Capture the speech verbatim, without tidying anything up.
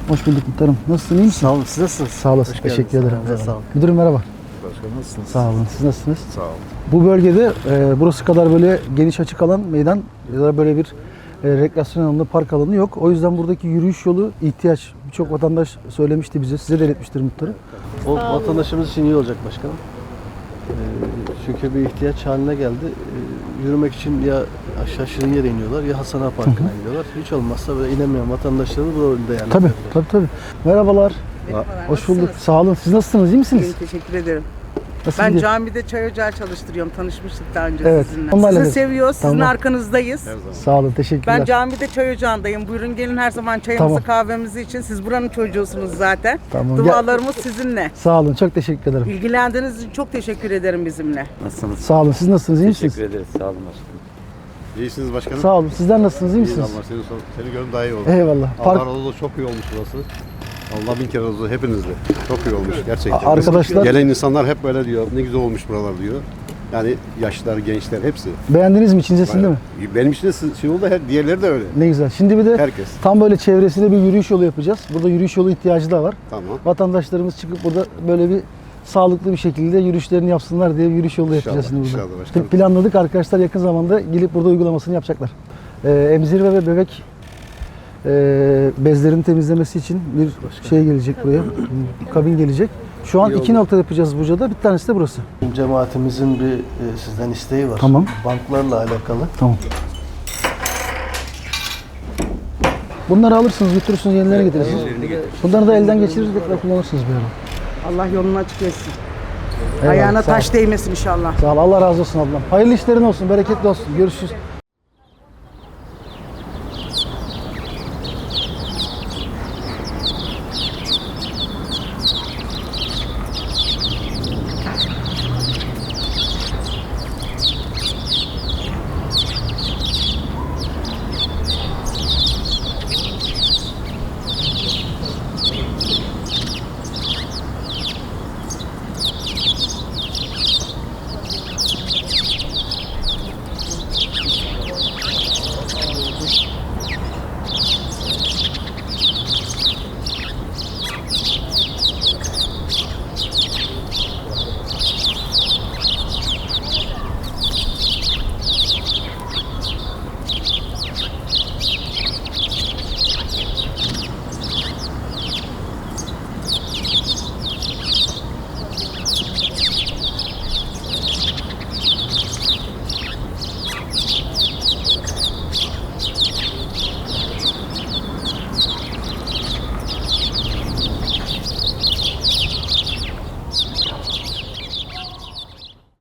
Hoş bulduk muhtarım. Nasılsın, iyi misin? Sağ olun. Siz nasılsınız? Sağ olasın. Hoş Teşekkür geldiniz. ederim. Sağ olun. Sağ olun. Müdürüm merhaba. Başkanım nasılsınız? Sağ olun. Siz nasılsınız? Sağ olun. Bu bölgede e, burası kadar böyle geniş açık alan meydan ya da böyle bir e, rekreasyon alanı, park alanı yok. O yüzden buradaki yürüyüş yolu ihtiyaç. Birçok vatandaş söylemişti bize. Size de iletmiştir muhtarım. O vatandaşımız için iyi olacak başkanım. Ee, çünkü bir ihtiyaç haline geldi. Ee, yürümek için ya aşağı Şirinye'de iniyorlar ya Hasan Ağa Parkı'na gidiyorlar. Hiç olmazsa böyle inemeyen vatandaşlarımız bu rolde yani. Tabii, tabii, tabii. Merhabalar. Merhabalar, Hoş bulduk. nasılsınız? Sağ olun. Siz nasılsınız? İyi misiniz? İyiyim, teşekkür ederim. Nasıl Ben gidiyor? camide çay ocağı çalıştırıyorum. Tanışmıştık daha önce Evet, sizinle. onlarla Sizi da- seviyoruz, sizin Tamam. arkanızdayız. Sağ olun. Teşekkürler. Ben camide çay ocağındayım. Buyurun gelin her zaman çayımızı Tamam. kahvemizi için. Siz buranın çocuğusunuz zaten. Tamam. Dualarımız sizinle. Sağ olun. Çok teşekkür ederim. İlgilendiğiniz için çok teşekkür ederim bizimle. Nasılsınız? Sağ olun. Siz nasılsınız? İyi misiniz? Teşekkür ederiz. Sağ olun başkanım. İyisiniz başkanım. Sağ olun. Sizler nasılsınız? İyi İyi misiniz? Allah seni, sor- seni görün daha iyi oldu. Eyvallah. Allah Park razı olsun, çok iyi olmuş burası. Allah bin kere razı olsun hepinizle. Çok iyi olmuş gerçekten. A- arkadaşlar- Gelen insanlar hep böyle diyor. Ne güzel olmuş buralar diyor. Yani yaşlılar, gençler hepsi. beğendiniz mi? İçindesin değil mi? Benim için de şey oldu, her- diğerleri de öyle. Ne güzel. Şimdi bir de Herkes. tam böyle çevresinde bir yürüyüş yolu yapacağız. Burada yürüyüş yolu ihtiyacı da var. Tamam. Vatandaşlarımız çıkıp burada böyle bir sağlıklı bir şekilde yürüyüşlerini yapsınlar diye bir yürüyüş yolu yapacağız İnşallah, şimdi burada. inşallah başkanım. Planladık. Arkadaşlar yakın zamanda gelip burada uygulamasını yapacaklar. Ee, emzirme ve bebek e, bezlerini temizlemesi için bir şey gelecek buraya. Kabin gelecek. Şu an İyi iki oldu. nokta yapacağız Buca'da. Bir tanesi de burası. Cemaatimizin bir e, sizden isteği var. Tamam. Banklarla alakalı. Tamam. Bunları alırsınız, götürürsünüz, yenilerini getirirsiniz. Bunları da elden geçirir, tekrar kullanırsınız bir ara. Allah yolunu açık etsin. Eyvallah, Ayağına sağ ol. taş değmesin inşallah. Sağ ol, Allah razı olsun ablam. Hayırlı işlerin olsun, bereketli olsun. Görüşürüz.